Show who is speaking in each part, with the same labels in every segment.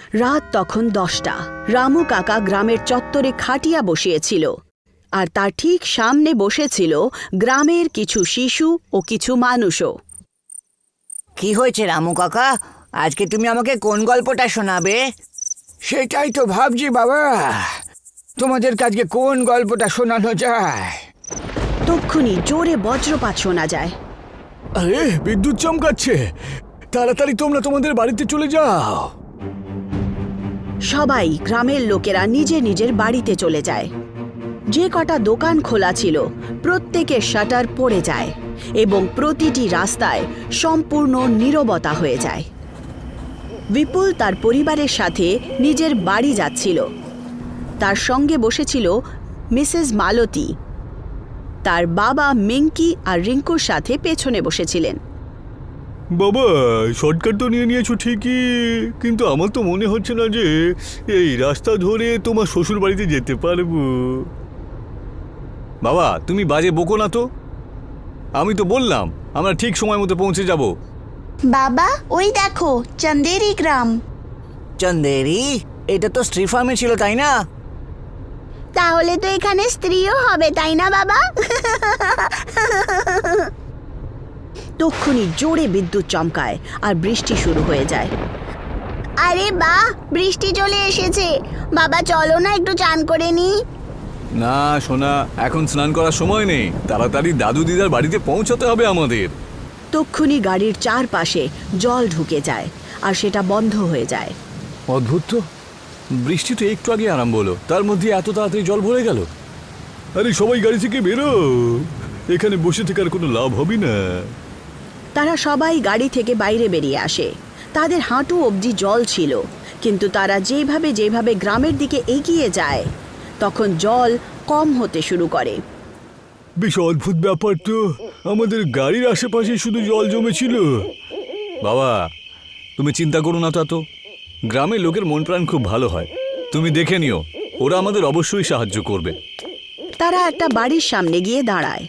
Speaker 1: রাত তখন 10টা। রামু কাকা গ্রামের চত্বরে খাটিয়া বসিয়েছিল, আর তার ঠিক সামনে বসেছিল গ্রামের কিছু শিশু ও কিছু মানুষও।
Speaker 2: কি হয়েছে রামু কাকা? আজকে তুমি আমাকে কোন গল্পটা শোনাবে?
Speaker 3: সেটাই তো ভাবছি বাবা, তোমাদের আজকে কোন গল্পটা শোনানো যায়।
Speaker 1: তক্ষুনি জোরে বজ্রপাত শোনা যায়।
Speaker 4: আরে বিদ্যুৎ চমকাচ্ছে, তাড়াতাড়ি তোমরা তোমাদের বাড়িতে চলে যাও।
Speaker 1: সবাই গ্রামের লোকেরা নিজের নিজের বাড়িতে চলে যায়। যে কটা দোকান খোলা ছিল প্রত্যেকের শাটার পড়ে যায় এবং প্রতিটি রাস্তায় সম্পূর্ণ নীরবতা হয়ে যায়। বিপুল তার পরিবারের সাথে নিজের বাড়ি যাচ্ছিল। তার সঙ্গে বসেছিল মিসেস মালতী। তার বাবা মিঙ্কি আর রিঙ্কুর সাথে পেছনে বসেছিলেন।
Speaker 4: বাবা, শর্টকাট তো নিয়ে নিয়েছো ঠিকই, কিন্তু আমার তো মনে হচ্ছে না যে এই রাস্তা ধরে তোমার শ্বশুর বাড়িতে যেতে পারবো। বাবা, তুমি বাজে বকো না তো। আমি তো বললাম আমরা ঠিক সময় মতো পৌঁছে যাব।
Speaker 5: বাবা, ওই দেখো চন্দেরি গ্রাম।
Speaker 2: চন্দেরি? এটা তো স্ত্রী ফার্মে ছিল, তাই না?
Speaker 5: তাহলে তো এখানে স্ত্রীও হবে, তাই না বাবা?
Speaker 1: তক্ষুনি জোরে বিদ্যুৎ চমকায় আর বৃষ্টি শুরু হয়ে যায়।
Speaker 5: আরে বাহ, বৃষ্টি চলে এসেছে। বাবা চলো না একটু চান করে নি।
Speaker 4: না সোনা, এখন স্নান করার সময় নেই, তাড়াতাড়ি দাদু দিদার বাড়িতে পৌঁছাতে হবে আমাদের।
Speaker 1: তক্ষুনি গাড়ির চারপাশে জল ঢুকে যায় আর সেটা বন্ধ হয়ে যায়।
Speaker 4: অদ্ভুত তো, বৃষ্টি তো একটু আগে আরম্ভ হলো, তার মধ্যে এত তাড়াতাড়ি জল ভরে গেল। আরে সবাই গাড়ি থেকে বেরো, এখানে বসে থেকে আর কোনো লাভ হবে না।
Speaker 1: তারা সবাই গাড়ি থেকে বাইরে বেরিয়ে আসে। তাদের হাঁটু অবধি জল ছিল, কিন্তু তারা যেভাবে গ্রামের দিকে এগিয়ে যায় তখন জল কম হতে শুরু করে।
Speaker 4: বেশ অদ্ভুত ব্যাপার তো, আমাদের গাড়ির আশেপাশে শুধু জল জমেছিল। বাবা, তুমি চিন্তা করো না, তা তো গ্রামের লোকের মন প্রাণ খুব ভালো হয়, তুমি দেখে নিও, ওরা আমাদের অবশ্যই সাহায্য করবে।
Speaker 1: তারা একটা বাড়ির সামনে গিয়ে দাঁড়ায়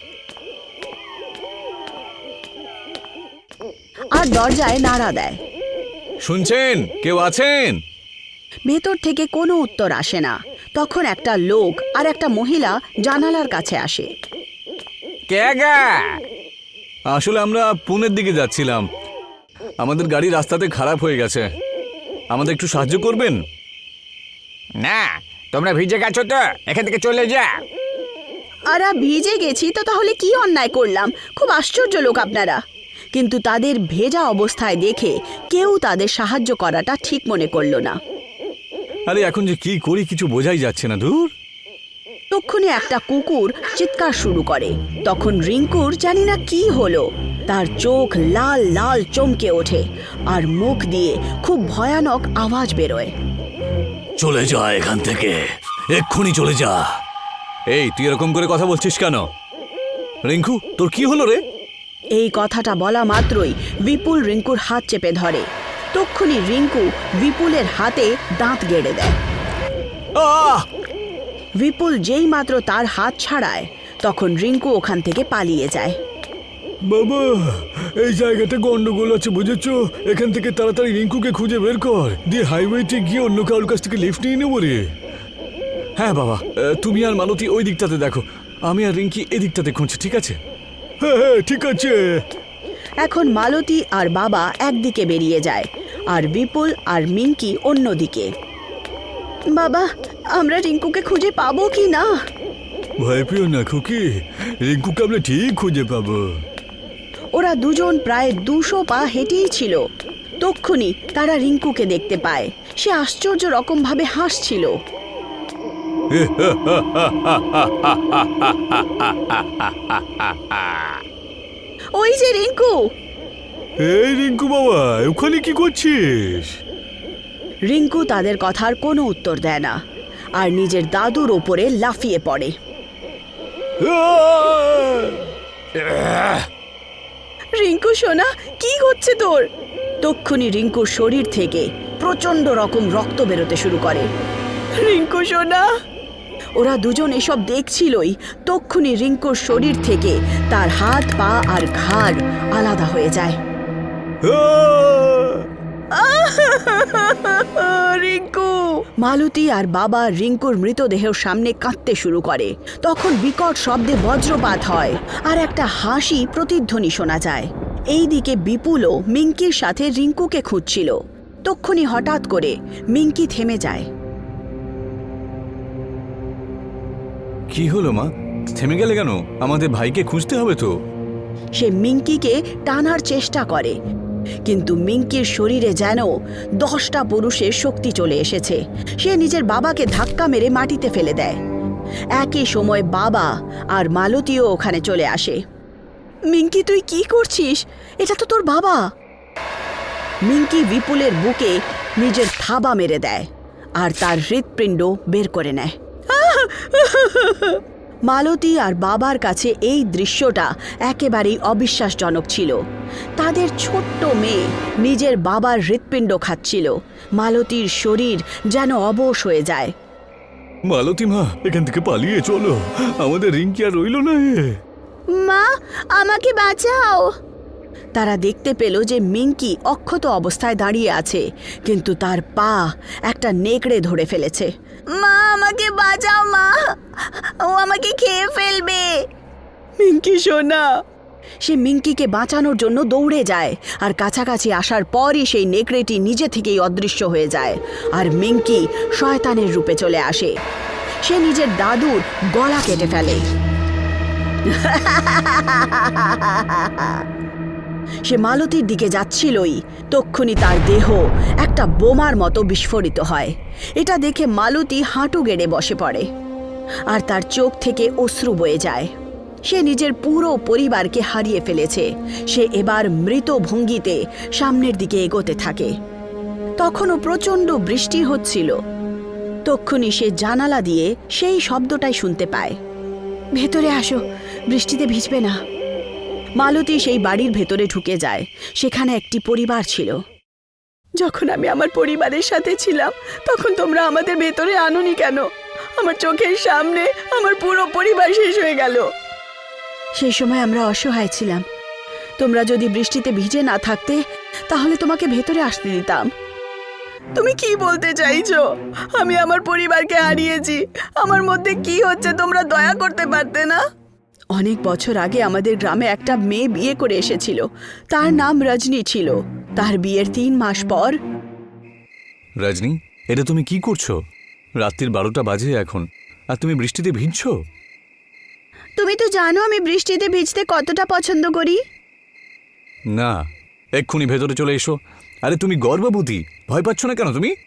Speaker 1: আর দরজায় নাড়া দেয়।
Speaker 4: শুনছেন, কেউ আছেন?
Speaker 1: ভেতর থেকে কোনো উত্তর আসে না। তখন একটা লোক আর একটা মহিলা জানালার কাছে আসে।
Speaker 3: কে গা?
Speaker 4: আসলে আমরা পুনের দিকে যাচ্ছিলাম, আমাদের গাড়ি রাস্তাতে খারাপ হয়ে গেছে, আমাদের একটু সাহায্য করবেন?
Speaker 3: না, তোমরা ভিজে গেছো তো, এখান থেকে চলে যা।
Speaker 1: আর ভিজে গেছি তো তাহলে কি অন্যায় করলাম? খুব আশ্চর্য লোক আপনারা। কিন্তু তাদের ভেজা অবস্থায় দেখে কেউ তাদের সাহায্য করাটা ঠিক মনে করল না।
Speaker 4: আরে এখন যে কি করি কিছু বোঝাই যাচ্ছে না, দূর।
Speaker 1: তক্ষুনি একটা কুকুর চিৎকার শুরু করে। তখন রিঙ্কুর জানি না কি হলো, তার চোখ লাল লাল চমকে ওঠে আর মুখ দিয়ে খুব ভয়ানক আওয়াজ বেরোয়।
Speaker 4: চলে যা এখান থেকে, এক্ষুনি চলে যা। এই, তুই এরকম করে কথা বলছিস কেন? রিঙ্কু, তোর কি হলো রে?
Speaker 1: এই কথাটা বলা মাত্রই বিপুল রিঙ্কুর হাত চেপে ধরে। তক্ষুনি রিঙ্কু বিপুলের হাতে দাঁত গেড়ে দেয়।
Speaker 4: আহ!
Speaker 1: বিপুল যেই মাত্র তার হাত ছাড়ায় তখন রিঙ্কু ওখান থেকে পালিয়ে যায়।
Speaker 4: বাবা, এই জায়গাটা গন্ডগোল আছে, বুঝেছো? এখান থেকে তাড়াতাড়ি রিঙ্কুকে খুঁজে বের কর, দিয়ে হাইওয়েতে গিয়ে অন্য কারোর কাছ থেকে লিফট নিয়ে নেবো রে। হ্যাঁ বাবা, তুমি আর মালতী ওই দিকটাতে দেখো, আমি আর রিঙ্কি এদিকটাতে খুঁজছি, ঠিক আছে? হ্যাঁ ঠিক আছে।
Speaker 1: এখন মালতী আর বাবা একদিকে বেরিয়ে যায় আর বিপুল আর মিঙ্কি অন্যদিকে। বাবা, আমরা রিঙ্কুকে খুঁজে পাবো কি না?
Speaker 4: ভয় পেও না খুকি, রিঙ্কুকে আমরা ঠিক খুঁজে পাবো।
Speaker 1: ওরা দুজন প্রায় 200 পা হেঁটেই ছিল। তক্ষুনি তারা রিঙ্কুকে দেখতে পায়। সে আশ্চর্য রকম ভাবে হাসছিল। ওই যে রিঙ্কু!
Speaker 4: এই রিঙ্কু বাবা, ওখানে কি করছিস?
Speaker 1: রিঙ্কু তাদের কথার কোনো উত্তর দেয় না আর নিজের দাদুর ওপরে লাফিয়ে পড়ে। রিঙ্কু সোনা, কি হচ্ছে তোর? তক্ষুনি রিঙ্কুর শরীর থেকে প্রচন্ড রকম রক্ত বেরোতে শুরু করে। রিঙ্কু সোনা! ওরা দুজন এসব দেখছিলই। তক্ষুনি রিঙ্কুর শরীর থেকে তার হাত পা আর ঘাড় আলাদা হয়ে যায়। রিঙ্কু! মালতী আর বাবা রিঙ্কুর মৃতদেহের সামনে কাঁদতে শুরু করে। তখন বিকট শব্দে বজ্রপাত হয় আর একটা হাসি প্রতিধ্বনি শোনা যায়। এইদিকে বিপুলও মিঙ্কির সাথে রিঙ্কুকে খুঁজছিল। তক্ষুনি হঠাৎ করে মিঙ্কি থেমে যায়।
Speaker 4: কি হলো মা, থেমে গেলে কেন? আমাদের ভাইকে খুঁজতে হবে তো।
Speaker 1: সে মিঙ্কিকে টানার চেষ্টা করে, কিন্তু মিঙ্কির শরীরে যেন 10টা পুরুষের শক্তি চলে এসেছে। সে নিজের বাবাকে ধাক্কা মেরে মাটিতে ফেলে দেয়। একই সময় বাবা আর মালতীও ওখানে চলে আসে। মিঙ্কি, তুই কি করছিস? এটা তো তোর বাবা। মিঙ্কি বিপুলের বুকে নিজের থাবা মেরে দেয় আর তার হৃৎপিণ্ড বের করে নেয়। মালতী আর বাবার কাছে এই দৃশ্যটা একেবারেই অবিশ্বাসজনক ছিল। তাদের ছোট্ট মেয়ে নিজের বাবার হৃৎপিণ্ড খাচ্ছিল। মালতীর শরীর যেন অবশ হয়ে যায়।
Speaker 4: মালতী মা, এখান থেকে পালিয়ে চলো, আমাদের রিঙ্কি আর রইল না।
Speaker 5: মা, আমাকে বাঁচাও।
Speaker 1: তারা দেখতে পেল যে মিঙ্কি অক্ষত অবস্থায় দাঁড়িয়ে আছে, কিন্তু তার পা একটা নেকড়ে ধরে ফেলেছে।
Speaker 5: মা, আমাকে বাঁচাও মা, ও আমাকে খেয়ে ফেলবে।
Speaker 1: মিঙ্কি সোনা! সে মিঙ্কিকে বাঁচানোর জন্য দৌড়ে যায়, আর কাছাকাছি আসার পরই সেই নেকড়েটি নিজে থেকেই অদৃশ্য হয়ে যায়, আর মিঙ্কি শয়তানের রূপে চলে আসে। সে নিজের দাদুর গলা কেটে ফেলে। সে মালতীর দিকে যাচ্ছিলই, তক্ষুনি তার দেহ একটা বোমার মতো বিস্ফোরিত হয়। এটা দেখে মালতী হাঁটু গেড়ে বসে পড়ে, আর তার চোখ থেকে অশ্রু বয়ে যায়। সে নিজের পুরো পরিবারকে হারিয়ে ফেলেছে। সে এবার মৃত ভঙ্গিতে সামনের দিকে এগোতে থাকে। তখনও প্রচণ্ড বৃষ্টি হচ্ছিল। তক্ষুনি সে জানালা দিয়ে সেই শব্দটাই শুনতে পায়। ভেতরে আসো, বৃষ্টিতে ভিজবে না। মালতী সেই বাড়ির ভেতরে ঢুকে যায়। সেখানে একটি পরিবার ছিল। যখন আমি আমার পরিবারের সাথে ছিলাম, তখন তোমরা আমাদের ভেতরে আনোনি কেন? আমার চোখের সামনে আমার পুরো পরিবার শেষ হয়ে গেল। সেই সময় আমরা অসহায় ছিলাম। তোমরা যদি বৃষ্টিতে ভিজে না থাকতে, তাহলে তোমাকে ভেতরে আসতে দিতাম। তুমি কি বলতে চাইছো? আমি আমার পরিবারকে হারিয়েছি। আমার মধ্যে কি হচ্ছে তোমরা দয়া করতে পারতে না? অনেক বছর আগে আমাদের গ্রামে একটা মেয়ে বিয়ে করে এসেছিল। তার নাম রজনী ছিল। তার বিয়ের 3 মাস পর।
Speaker 4: রজনী, এটা তুমি কি করছো? রাত্রির 12টা বাজে এখন, আর তুমি বৃষ্টিতে ভিজছো?
Speaker 1: তুমি তো জানো আমি বৃষ্টিতে ভিজতে কতটা পছন্দ করি।
Speaker 4: না, এক্ষুনি ভেতরে চলে এসো। আরে তুমি গর্ভবতী, ভয় পাচ্ছ না কেন তুমি?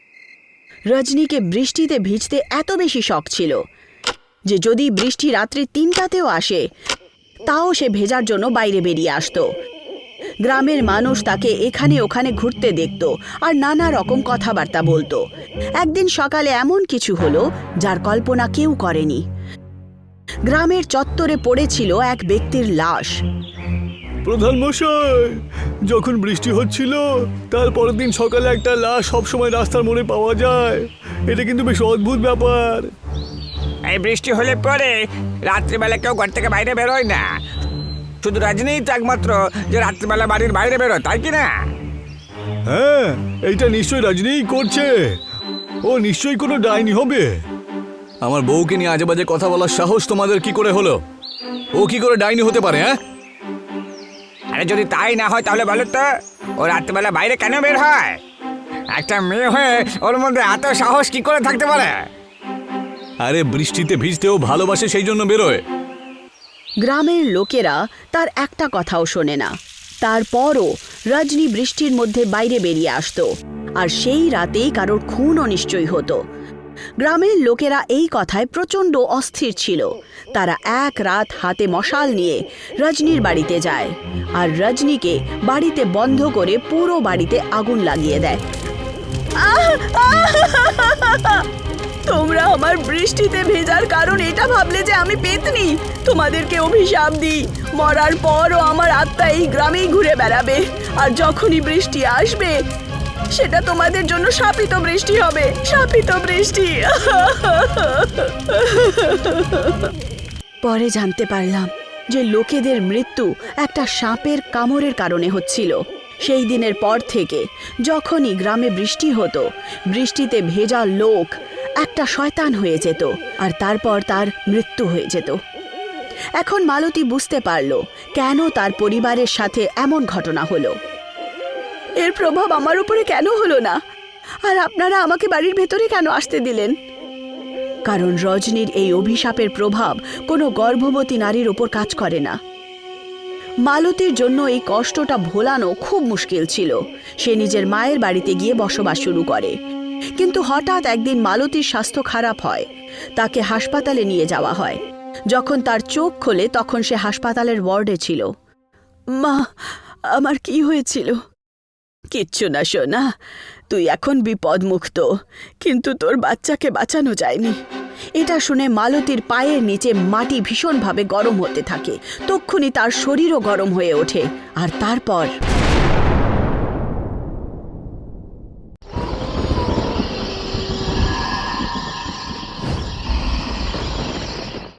Speaker 1: রজনীকে বৃষ্টিতে ভিজতে এত বেশি শখ ছিল যে যদি বৃষ্টি রাত্রি 3টাতেও আসে, তাও সে ভেজার জন্য বাইরে বেরিয়ে আসতো। গ্রামের মানুষ তাকে এখানে ওখানে ঘুরতে দেখত আর নানা রকম কথাবার্তা বলতো। একদিন সকালে এমন কিছু হলো যার কল্পনা কেউ করেনি। গ্রামের চত্বরে পড়েছিল এক ব্যক্তির লাশ।
Speaker 4: প্রধান মশাই, যখন বৃষ্টি হচ্ছিল তার পরের দিন সকালে একটা লাশ সবসময় রাস্তার মোড়ে পাওয়া যায়। এটা কিন্তু বেশ অদ্ভুত ব্যাপার।
Speaker 3: এই বৃষ্টি হলে পরে রাত্রিবেলা কেউ ঘর থেকে বাইরে বেরোয় না। শুধু রজনীই তো একমাত্র যে রাত্রিবেলা বাড়ির বাইরে বেরোয়, তাই কি না?
Speaker 4: হ্যাঁ, এইটা নিশ্চয়ই রজনীই করছে। ও নিশ্চয়ই কোনো ডাইনি হবে। আমার বউকে নিয়ে আজে বাজে কথা বলার সাহস তোমাদের কি করে হলো? ও কি করে ডাইনি হতে পারে? হ্যাঁ,
Speaker 3: আরে যদি তাই না হয় তাহলে বলো তো, ও রাত্রিবেলা বাইরে কেন বের হয়? একটা মেয়ে হয়ে ওর মধ্যে এত সাহস কি করে থাকতে পারে?
Speaker 4: আরে বৃষ্টিতে ভিজতেও ভালোবাসে, সেই জন্য বেরোয়।
Speaker 1: গ্রামের লোকেরা তার একটা কথাও শোনে না। তারপরও রজনী বৃষ্টির মধ্যে বাইরে বেরিয়ে আসতো, আর সেই রাতেই কারোর খুনও নিশ্চয়ই হতো। গ্রামের লোকেরা এই কথায় প্রচণ্ড অস্থির ছিল। তারা এক রাত হাতে মশাল নিয়ে রজনীর বাড়িতে যায়, আর রজনীকে বাড়িতে বন্ধ করে পুরো বাড়িতে আগুন লাগিয়ে দেয়। তোমরা আমার বৃষ্টিতে ভেজার কারণ এটা ভাবলে যে আমি পেতনি? তোমাদেরকে অভিশাপ দিই, মরার পরও আমার আত্মা এই গ্রামেই ঘুরে বেড়াবে, আর যখনই বৃষ্টি আসবে সেটা তোমাদের জন্য শাপিত বৃষ্টি হবে। শাপিত বৃষ্টি। পরে জানতে পারলাম যে লোকেদের মৃত্যু একটা সাপের কামড়ের কারণে হচ্ছিল। সেই দিনের পর থেকে যখনই গ্রামে বৃষ্টি হতো, বৃষ্টিতে ভেজা লোক একটা শয়তান হয়ে যেত আর তারপর তার মৃত্যু হয়ে যেত। এখন মালতী বুঝতে পারল কেন তার পরিবারের সাথে এমন ঘটনা হলো। এর প্রভাব আমার উপরে কেন হলো না, আর আপনারা আমাকে বাড়ির ভেতরে কেন আসতে দিলেন? কারণ রজনীর এই অভিশাপের প্রভাব কোনো গর্ভবতী নারীর ওপর কাজ করে না। মালতীর জন্য এই কষ্টটা ভোলানো খুব মুশকিল ছিল। সে নিজের মায়ের বাড়িতে গিয়ে বসবাস শুরু করে, কিন্তু হঠাৎ একদিন মালতীর স্বাস্থ্য খারাপ হয়। তাকে হাসপাতালে নিয়ে যাওয়া হয়। যখন তার চোখ খোলে তখন সে হাসপাতালের ওয়ার্ডে ছিল। মা, আমার কি হয়েছিল? কিচ্ছু না সোনা, তুই এখন বিপদমুক্ত, কিন্তু তোর বাচ্চাকে বাঁচানো যায়নি। এটা শুনে মালতীর পায়ের নিচে মাটি ভীষণভাবে গরম হতে থাকে। তক্ষুনি তার শরীরও গরম হয়ে ওঠে, আর তারপর